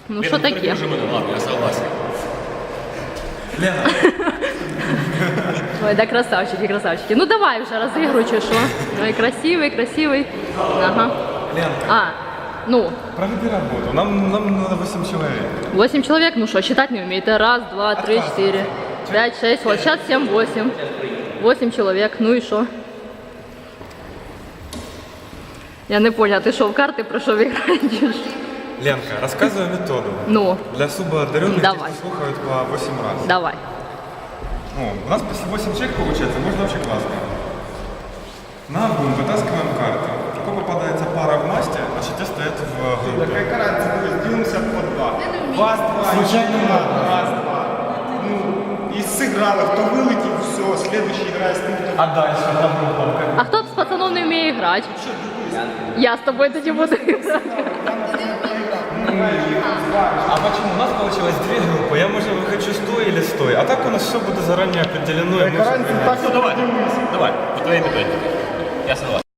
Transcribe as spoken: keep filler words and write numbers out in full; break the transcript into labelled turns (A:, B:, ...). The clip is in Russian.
A: Ну что такие?
B: Ладно, я согласен.
C: Лена.
A: Ой, да красавчики, красавчики. Ну давай уже разыгрывай, что? Ой, красивый, красивый. Ага.
C: Ленка,
A: А, ну,
C: проведи работу. Нам, нам надо восемь человек.
A: восемь человек, ну что, считать не умеете? Раз, два, три, четыре, пять, шесть, вот сейчас семь, восемь. Восемь человек, ну и что? Я не поняла, ты что, в карты про что играешь?
C: Ленка, рассказывай методу.
A: Ну,
C: Для субоодаренных
A: Давай.
C: тех, кто слухают по восемь раз.
A: давай.
C: Ну, у нас почти восемь человек получается, можно вообще классно. На бум вытаскиваем карты. Какой попадается пара в масте, значит те стоят в группе.
D: Какая разница, мы делимся по два. Вас два,
C: Случайно
D: еще
C: надо.
D: раз два. Ну, и сыграло, кто вылетит, все, следующий играет с тем, кто...
C: А дальше на группу.
A: А кто с пацанов не умеет играть? Я с тобой тоді буду играть.
C: А почему? У нас получилось две группы. Я, может, выхочу сто или сто. А так у нас все будет заранее определено. и мы
D: Какая
C: всё
D: разница,
C: понимаем.
D: так,
B: Ну давай, давай, по твоей методике. Я согласен.